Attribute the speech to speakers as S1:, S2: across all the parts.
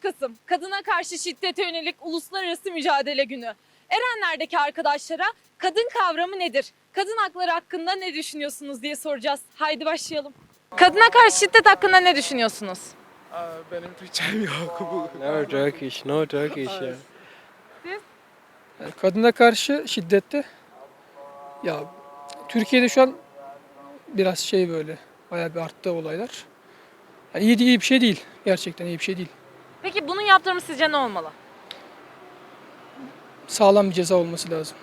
S1: Kasım, Kadına Karşı Şiddete Yönelik Uluslararası Mücadele Günü. Erenler'deki arkadaşlara kadın kavramı nedir? Kadın hakları hakkında ne düşünüyorsunuz diye soracağız. Haydi başlayalım. Kadına karşı şiddet hakkında ne düşünüyorsunuz?
S2: Benim Türkçem yok.
S3: No Turkish, no Turkish ya.
S2: Kadına karşı şiddette ya Türkiye'de şu an biraz böyle bayağı bir arttı olaylar. Yani iyi bir şey değil. Gerçekten iyi bir şey değil.
S1: Peki bunun yaptırımı sizce ne olmalı?
S2: Sağlam bir ceza olması lazım.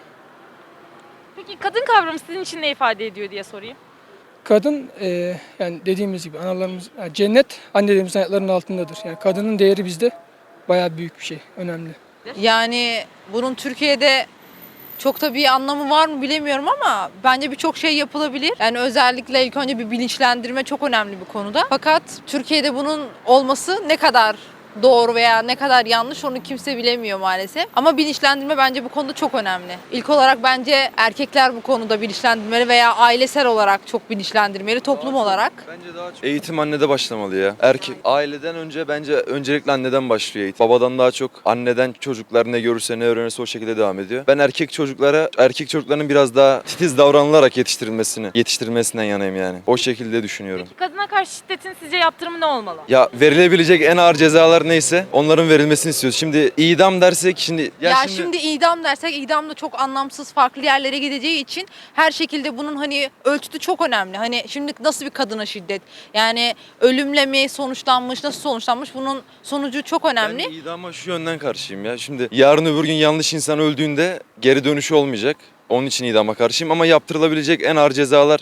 S1: Peki kadın kavramı sizin için ne ifade ediyor diye sorayım.
S2: Kadın yani dediğimiz gibi analarımız yani cennet annelerimizin ayaklarının altındadır. Yani kadının değeri bizde bayağı büyük bir şey, önemli.
S4: Yani bunun Türkiye'de çok da bir anlamı var mı bilemiyorum ama bence birçok şey yapılabilir. Yani özellikle ilk önce bir bilinçlendirme çok önemli bir konuda. Fakat Türkiye'de bunun olması ne kadar doğru veya ne kadar yanlış onu kimse bilemiyor maalesef. Ama bilinçlendirme bence bu konuda çok önemli. İlk olarak bence erkekler bu konuda bilinçlendirmeli veya ailesel olarak çok bilinçlendirmeli, toplum olarak.
S5: Bence daha çok eğitim annede başlamalı ya. Aileden önce bence öncelikle anneden başlıyor eğitim. Babadan daha çok anneden çocuklar ne görürse ne öğrenirse o şekilde devam ediyor. Ben erkek çocukların biraz daha titiz davranılarak yetiştirilmesinden yanayım yani. O şekilde düşünüyorum.
S1: Peki kadına karşı şiddetin sizce yaptırımı ne olmalı?
S5: Ya verilebilecek en ağır cezalar neyse onların verilmesini istiyoruz. Şimdi idam dersek
S4: Şimdi idam dersek idam da çok anlamsız farklı yerlere gideceği için her şekilde bunun hani ölçütü çok önemli. Hani şimdi nasıl bir kadına şiddet? Yani ölümle mi sonuçlanmış, nasıl sonuçlanmış? Bunun sonucu çok önemli.
S5: Ben idama şu yönden karşıyım ya. Şimdi yarın öbür gün yanlış insan öldüğünde geri dönüşü olmayacak. Onun için idama karşıyım ama yaptırılabilecek en ağır cezalar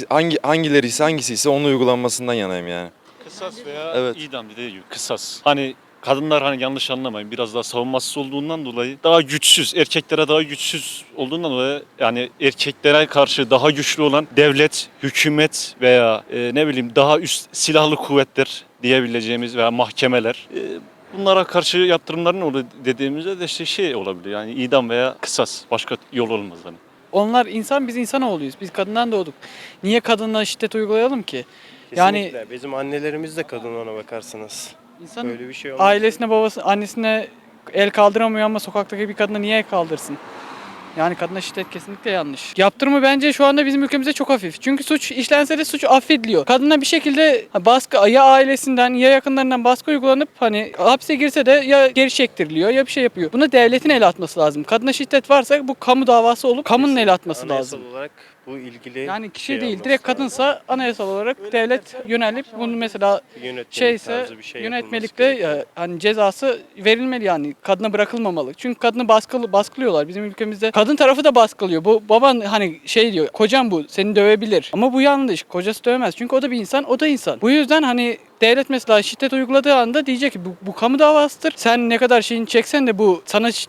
S5: hangisiyse onun uygulanmasından yanayım yani.
S6: Kısas veya
S5: Evet.
S6: idam dediği gibi kısas. Hani kadınlar hani yanlış anlamayın biraz daha savunmasız olduğundan dolayı daha güçsüz, erkeklere daha güçsüz olduğundan dolayı yani erkeklere karşı daha güçlü olan devlet, hükümet veya ne bileyim daha üst silahlı kuvvetler diyebileceğimiz veya mahkemeler bunlara karşı yaptırımların olur dediğimizde de şey olabilir yani idam veya kısas başka yol olmaz hani.
S7: Onlar insan, biz insanoğluyuz. Biz kadından doğduk. Niye kadına şiddet uygulayalım ki? Yani
S3: Kesinlikle. Bizim annelerimiz de kadın ona bakarsanız.
S7: insan
S3: Böyle bir şey olmaz.
S7: ailesine, annesine el kaldıramıyor ama sokaktaki bir kadına niye el kaldırsın? Yani kadına şiddet kesinlikle yanlış. Yaptırımı bence şu anda bizim ülkemizde çok hafif. Çünkü suç işlense de suç affediliyor. Kadına bir şekilde baskı ya ailesinden ya yakınlarından baskı uygulanıp hani hapse girse de ya geri çektiriliyor ya bir şey yapıyor. Buna devletin el atması lazım. Kadına şiddet varsa bu kamu davası olup kamunun el atması
S3: Anayasal
S7: lazım.
S3: olarak bu ilgili
S7: Yani kişi
S3: şey
S7: değil,
S3: olması
S7: direkt
S3: lazım.
S7: kadınsa anayasal olarak devlet yönelip bunu mesela
S3: Yönetmelik
S7: şeyse
S3: tarzı bir şey yapılması
S7: yönetmelikte
S3: gerekiyor.
S7: hani cezası verilmeli yani. Kadına bırakılmamalı. Çünkü kadını baskılıyorlar. Bizim ülkemizde kadın tarafı da baskılıyor. Bu baban hani şey diyor, kocam bu seni dövebilir. Ama bu yanlış. Kocası dövemez. Çünkü o da bir insan, o da insan. Bu yüzden hani devlet mesela şiddet uyguladığı anda diyecek ki bu kamu davasıdır. Sen ne kadar şeyini çeksen de bu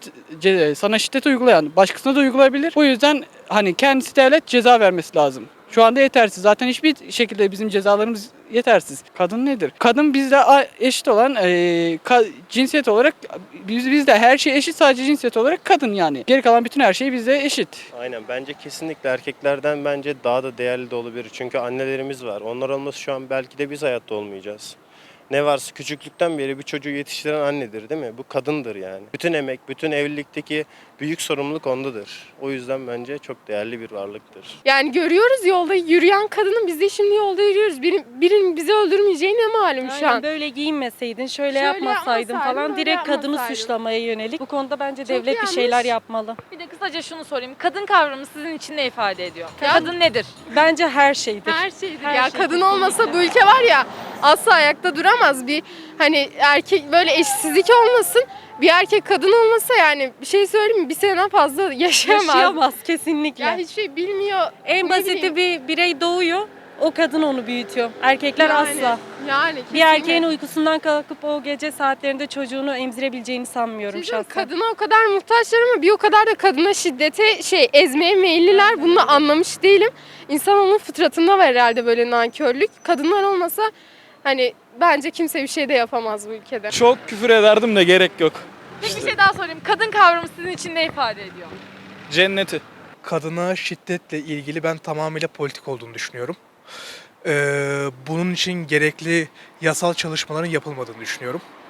S7: sana şiddet uygulayan başkasına da uygulayabilir. Bu yüzden hani kendisi devlet ceza vermesi lazım. Şu anda yetersiz. Zaten hiçbir şekilde bizim cezalarımız yetersiz. Kadın nedir? Kadın bizle eşit olan cinsiyet olarak bizde her şey eşit, sadece cinsiyet olarak kadın yani. Geri kalan bütün her şey bizde eşit.
S3: Aynen, bence kesinlikle erkeklerden bence daha da değerli de olabilir. Çünkü annelerimiz var. Onlar olması şu an belki de biz hayatta olmayacağız. Ne varsa küçüklükten beri bir çocuğu yetiştiren annedir, değil mi? Bu kadındır yani. Bütün emek, bütün evlilikteki büyük sorumluluk ondadır. O yüzden bence çok değerli bir varlıktır.
S8: Yani görüyoruz yolda yürüyen kadının, biz de şimdi yolda yürüyoruz. Birinin bizi öldürmeyeceği ne malum şu an.
S9: Aynen, böyle giyinmeseydin, şöyle
S8: Şöyle
S9: yapmasaydın
S8: yapmasaydın,
S9: falan
S8: öyle
S9: direkt kadını
S8: yapmasaydın.
S9: suçlamaya yönelik. Bu konuda bence
S8: Çok
S9: devlet bir
S8: yanlış.
S9: şeyler yapmalı.
S1: Bir de kısaca şunu sorayım. Kadın kavramı sizin için ne ifade ediyor?
S8: Ya-
S1: Kadın nedir?
S9: Bence her şeydir.
S8: Her şeydir.
S9: Her
S8: Ya
S9: şey
S8: kadın
S9: kesinlikle.
S8: olmasa bu ülke var ya asla ayakta duramaz. Bir hani erkek böyle eşitsizlik olmasın. Bir erkek kadın olmasa yani bir şey söyleyeyim mi? Bir seneden fazla yaşayamaz.
S9: Yaşayamaz kesinlikle.
S8: Ya hiçbir şey bilmiyor.
S9: En
S8: ne
S9: basiti
S8: bileyim.
S9: bir birey doğuyor, o kadın onu büyütüyor. Erkekler
S8: Yani,
S9: asla.
S8: Yani
S9: Bir erkeğin uykusundan kalkıp o gece saatlerinde çocuğunu emzirebileceğini sanmıyorum şahsen.
S8: Kadına o kadar muhtaçlar ama bir o kadar da kadına şiddete ezmeye meyilliler. Bunu da anlamış değilim. İnsanoğlunun fıtratında var herhalde böyle nankörlük. Kadınlar olmasa hani bence kimse bir şey de yapamaz bu ülkede.
S2: Çok küfür ederdim de gerek yok.
S1: Peki bir şey daha sorayım. Kadın kavramı sizin için ne ifade ediyor?
S2: Cenneti.
S10: Kadına şiddetle ilgili ben tamamıyla politik olduğunu düşünüyorum. Bunun için gerekli yasal çalışmaların yapılmadığını düşünüyorum.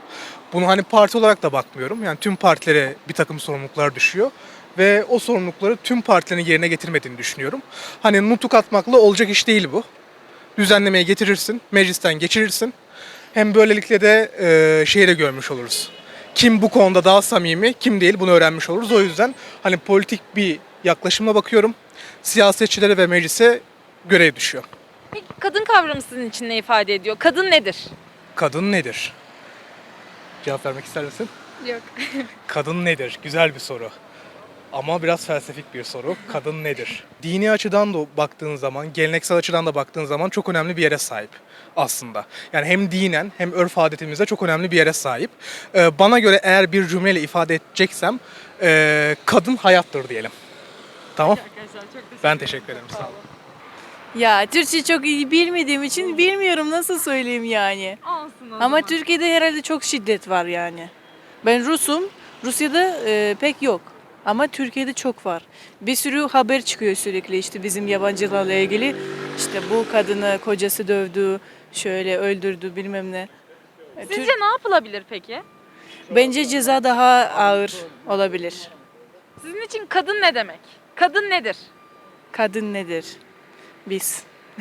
S10: Bunu hani parti olarak da bakmıyorum. Yani tüm partilere bir takım sorumluluklar düşüyor. Ve o sorumlulukları tüm partilerin yerine getirmediğini düşünüyorum. Hani nutuk atmakla olacak iş değil bu. Düzenlemeye getirirsin, meclisten geçirirsin. Hem böylelikle de şeyi de görmüş oluruz. Kim bu konuda daha samimi, kim değil bunu öğrenmiş oluruz. O yüzden hani politik bir yaklaşımla bakıyorum. Siyasetçilere ve meclise görev düşüyor.
S1: Peki kadın kavramı sizin için ne ifade ediyor? Kadın nedir?
S10: Kadın nedir? Cevap vermek ister misin?
S8: Yok.
S10: Kadın nedir? Güzel bir soru. Ama biraz felsefik bir soru. Kadın nedir? Dini açıdan da baktığın zaman, geleneksel açıdan da baktığın zaman çok önemli bir yere sahip aslında. Yani hem dinen hem örf adetimizde çok önemli bir yere sahip. Bana göre eğer bir cümleyle ifade edeceksem kadın hayattır diyelim. Tamam? Ben teşekkür ederim. Sağ olun.
S11: Ya Türkçe çok iyi bilmediğim için bilmiyorum nasıl söyleyeyim yani.
S1: Olsun o
S11: Ama
S1: zaman.
S11: Türkiye'de herhalde çok şiddet var yani. Ben Rus'um. Rusya'da pek yok. Ama Türkiye'de çok var. Bir sürü haber çıkıyor sürekli işte bizim yabancılarla ilgili. İşte bu kadını kocası dövdü, şöyle öldürdü bilmem ne.
S1: Sizce ne yapılabilir peki?
S11: Bence ceza daha ağır olabilir.
S1: Sizin için kadın ne demek? Kadın nedir?
S11: Kadın nedir? Biz.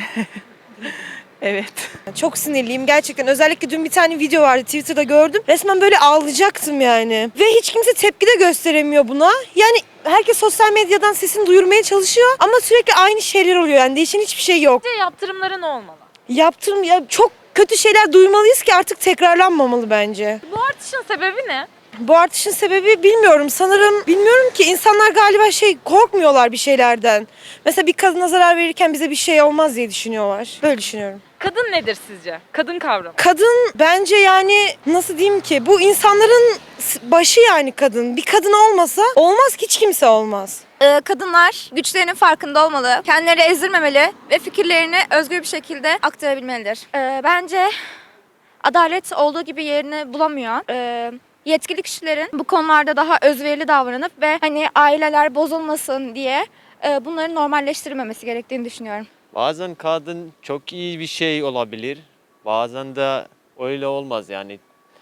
S11: Evet.
S12: Çok sinirliyim gerçekten. Özellikle dün bir tane video vardı Twitter'da gördüm. Resmen böyle ağlayacaktım yani. Ve hiç kimse tepki de gösteremiyor buna. Yani herkes sosyal medyadan sesini duyurmaya çalışıyor ama sürekli aynı şeyler oluyor. Yani değişen hiçbir şey yok.
S1: Sizce yaptırımları ne olmalı?
S12: Yaptırım ya çok kötü şeyler duymalıyız ki artık tekrarlanmamalı bence.
S1: Bu artışın sebebi ne?
S12: Bu artışın sebebi bilmiyorum. Sanırım bilmiyorum ki insanlar galiba korkmuyorlar bir şeylerden. Mesela bir kadına zarar verirken bize bir şey olmaz diye düşünüyorlar. Böyle düşünüyorum.
S1: Kadın nedir sizce? Kadın kavramı.
S12: Kadın bence yani nasıl diyeyim ki bu insanların başı yani kadın. Bir kadın olmasa olmaz ki hiç kimse olmaz.
S13: Kadınlar güçlerinin farkında olmalı, kendileri ezdirmemeli ve fikirlerini özgür bir şekilde aktarabilmelidir. Bence adalet olduğu gibi yerini bulamıyor. Yetkili kişilerin bu konularda daha özverili davranıp ve hani aileler bozulmasın diye bunları normalleştirmemesi gerektiğini düşünüyorum.
S14: Bazen kadın çok iyi bir şey olabilir, bazen de öyle olmaz yani.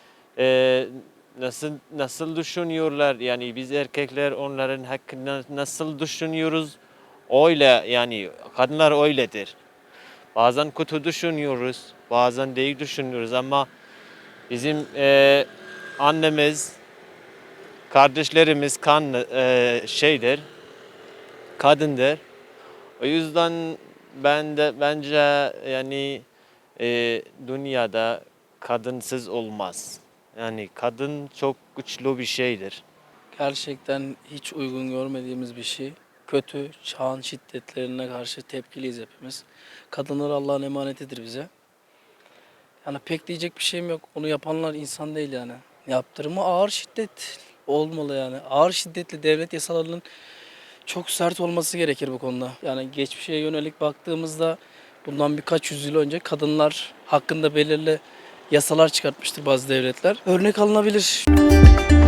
S14: Nasıl düşünüyorlar yani biz erkekler onların hakkında nasıl düşünüyoruz öyle yani kadınlar öyledir. Bazen kötü düşünüyoruz, bazen değil düşünüyoruz ama bizim annemiz, kardeşlerimiz şeydir, kadındır. O yüzden bence yani dünyada kadınsız olmaz. Yani kadın çok güçlü bir şeydir.
S7: Gerçekten hiç uygun görmediğimiz bir şey. Kötü, çağın şiddetlerine karşı tepkiliyiz hepimiz. Kadınlar Allah'ın emanetidir bize. Yani pek diyecek bir şeyim yok. Onu yapanlar insan değil yani. Yaptırımı ağır şiddet olmalı yani. Ağır şiddetli devlet yasalarının çok sert olması gerekir bu konuda. Yani geçmişe yönelik baktığımızda bundan birkaç yüzyıl önce kadınlar hakkında belirli yasalar çıkartmıştır bazı devletler. Örnek alınabilir.